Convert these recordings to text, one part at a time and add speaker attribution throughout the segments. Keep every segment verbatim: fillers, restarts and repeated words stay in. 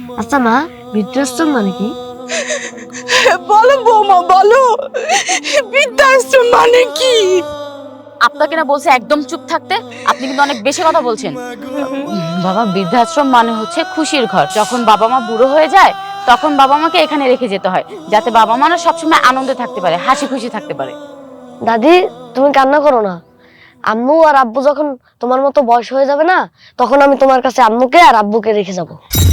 Speaker 1: আচ্ছা মা, বৃদ্ধাশ্রম মানে কি?
Speaker 2: বলো বৌমা, বলো বৃদ্ধাশ্রম মানে কি?
Speaker 3: আপনাকে না বলছে একদম চুপ থাকতে, আপনি কিন্তু অনেক বেশি কথা বলছেন। বাবা, বৃদ্ধাশ্রম মানে হচ্ছে খুশির ঘর। যখন বাবা মা বুড়ো হয়ে যায় তখন বাবা মাকে এখানে রেখে যেতে হয়, যাতে বাবা মারা সবসময় আনন্দে থাকতে পারে, হাসি খুশি থাকতে পারে।
Speaker 1: দাদি, তুমি কান্না করো না। আম্মু আর আব্বু যখন তোমার মতো বয়স হয়ে যাবে না, তখন আমি তোমার কাছে আম্মুকে আর আব্বুকে রেখে যাব।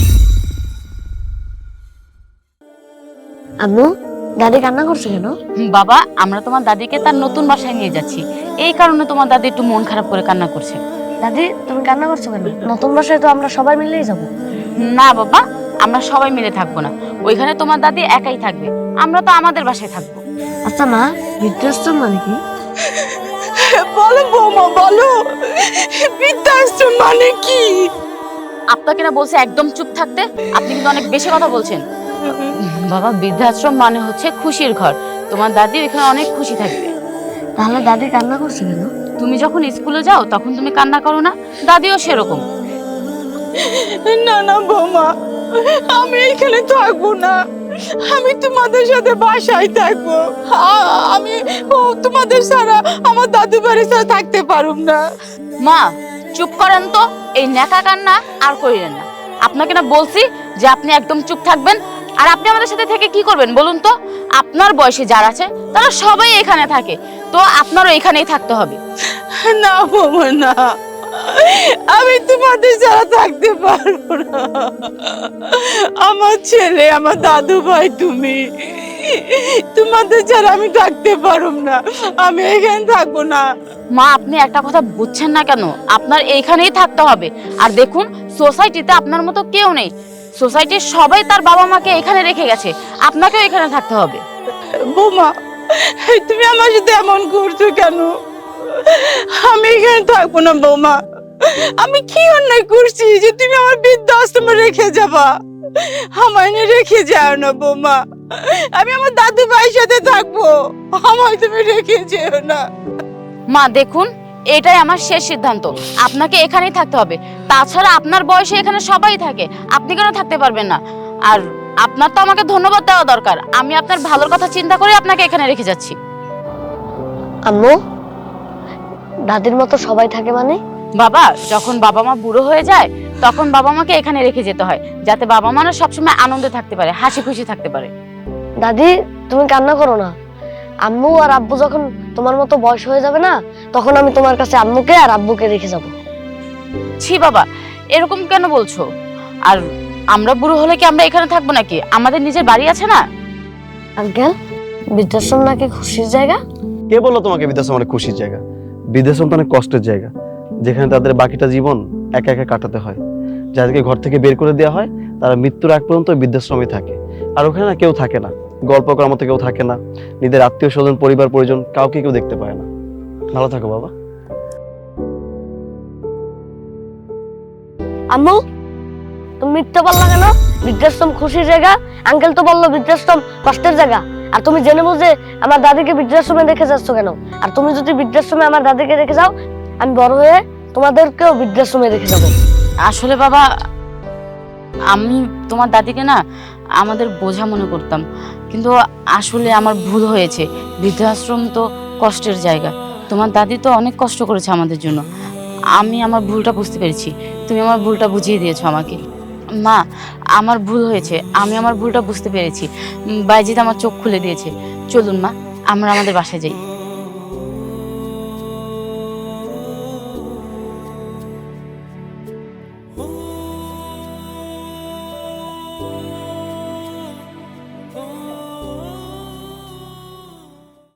Speaker 1: আম্মু, দাদি কান্না করছে কেন?
Speaker 3: বাবা, আমরা তোমার দাদিকে তার নতুন বাসায় নিয়ে যাচ্ছি, এই কারণে তোমার দাদি একটু মন খারাপ করে কান্না করছে।
Speaker 1: দাদি, তুমি কান্না করছো কেন? নতুন বাসায় তো আমরা সবাই মিলেই যাব।
Speaker 3: না বাবা, আমরা সবাই মিলে থাকবো না, ওইখানে তোমার দাদি একাই থাকবে, আমরা তো আমাদের বাসায় থাকবো।
Speaker 1: আচ্ছা মা, বৃদ্ধাশ্রম মানে কি?
Speaker 2: বলো বৌমা, বলো বৃদ্ধাশ্রম মানে কি?
Speaker 3: আপনাকে না বলছে একদম চুপ থাকতে, আপনি কিন্তু অনেক বেশি কথা বলছেন। বাবা, বৃদ্ধাশ্রম মানে হচ্ছে খুশির ঘর, তোমার দাদি ওইখানে অনেক খুশি থাকবে।
Speaker 1: তাহলে দাদি কান্না করছে কেন?
Speaker 3: তুমি যখন স্কুলে যাও তখন তুমি কান্না করো না, দাদিও সেরকম।
Speaker 2: না না বৌমা, আমি এখানে থাকবো না, আমি তোমাদের সাথে বাসায় থাকবো। আ- আমি ও তোমাদের ছাড়া আমার দাদু বাড়ি ছাড়া থাকতে পারুম না।
Speaker 3: মা চুপ করেন তো, এই নেকা কান্না আর করিলেন না। আপনাকে না বলছি যে আপনি একদম চুপ থাকবেন। আর আপনি আমাদের সাথে থেকে কি করবেন বলুন তো? আপনার বয়সে যারা আছে তারা সবাই এখানে থাকে, তো আপনারও এখানেই থাকতে হবে।
Speaker 2: না বৌমা, না, আমি তোমাদের ছাড়া থাকতে পারবো না। আমার ছেলে, আমার দাদু ভাই, তুমি তোমাদের ছাড়া আমি থাকতে পারুম না, আমি এখানে থাকবো না।
Speaker 3: মা, আপনি একটা কথা বুঝছেন না কেন? আপনার এইখানেই থাকতে হবে। আর দেখুন, সোসাইটিতে আপনার মতো কেউ নেই, সোসাইটির সবাই তার বাবা মাকে এখানে রেখে গেছে, আপনাকেও এখানে থাকতে হবে।
Speaker 2: বৌমা, তুমি আমার সাথে এমন করছো কেন? আমি এখানে থাকবো না বৌমা। আমি কি অন্যায় করছি যে তুমি আমার বৃদ্ধাশ্রমে রেখে যাবা? আমায় নিয়ে রেখে যাও না বৌমা, আমি আমার দাদু ভাইয়ের সাথে থাকবো, আমায় তুমি রেখে যেও না।
Speaker 3: মা দেখুন, এটাই আমার শেষ সিদ্ধান্ত, আপনাকে এখানেই থাকতে হবে। তাছাড়া আপনার বয়সে এখানে সবাই থাকে, আপনি কেন থাকতে পারবেন না? আর আপনার তো আমাকে ধন্যবাদ দেওয়া দরকার, আমি আপনার ভালোর কথা চিন্তা করে আপনাকে এখানে রেখে যাচ্ছি।
Speaker 1: আম্মু, দাদির মতো সবাই থাকে মানে?
Speaker 3: বাবা, যখন বাবা মা বুড়ো হয়ে যায় তখন বাবা মাকে এখানে রেখে যেতে হয়, যাতে বাবা মারা সবসময় আনন্দে থাকতে পারে, হাসি খুশি থাকতে পারে।
Speaker 1: দাদি, তুমি কান্না করো না। আম্মু আর আব্বু যখন তোমার মতো বয়স হয়ে যাবে না, তখন আমি তোমার কাছে আম্মুকে আর আব্বুকে রেখে যাব।
Speaker 3: ছি বাবা, এরকম কেন বলছো? আর আমরা বুড়ো হলে কি আমরা এখানে থাকবো নাকি? আমাদের নিজের বাড়ি আছে না?
Speaker 1: আঙ্কেল, বৃদ্ধাশ্রম নাকি খুশির জায়গা?
Speaker 4: কে বললো তোমাকে বৃদ্ধাশ্রম অনেক খুশির জায়গা? বৃদ্ধাশ্রম তো অনেক কষ্টের জায়গা, যেখানে তাদের বাকিটা জীবন একা একা কাটাতে হয়। যাদেরকে ঘর থেকে বের করে দেওয়া হয় তারা মৃত্যুর আগ পর্যন্ত বৃদ্ধাশ্রমে থাকে। আর ওখানে না কেউ থাকে না, গল্প করার মতো কেউ থাকে না, নিজের আত্মীয় স্বজন, পরিবার পরিজন কাউকে কেউ দেখতে পায় না। ভালো থাকো বাবা।
Speaker 1: আম্মু, তুমি মিথ্যে বললা কেন? বৃদ্ধাশ্রম খুশির জায়গা, আঙ্কেল তো বললো বৃদ্ধাশ্রম কষ্টের জায়গা। আর তুমি জেনে বুঝে আমার দাদিকে বৃদ্ধাশ্রমে রেখে যাচ্ছ কেন? আর তুমি যদি বৃদ্ধাশ্রমে আমার দাদিকে রেখে যাও, আমি বড় হয়ে তোমাদেরকেও বৃদ্ধাশ্রমে রেখে যাবো।
Speaker 3: আসলে বাবা, আমি তোমার দাদিকে না আমাদের বোঝা মনে করতাম, কিন্তু আসলে আমার ভুল হয়েছে। বৃদ্ধাশ্রম তো কষ্টের জায়গা, তোমার দাদি তো অনেক কষ্ট করেছে আমাদের জন্য। আমি আমার ভুলটা বুঝতে পেরেছি, তুমি আমার ভুলটা বুঝিয়ে দিয়েছো আমাকে। মা, আমার ভুল হয়েছে, আমি আমার ভুলটা বুঝতে পেরেছি। উম, বাইজিৎ আমার চোখ খুলে দিয়েছে। চলুন মা, আমরা আমাদের বাসায় যাই।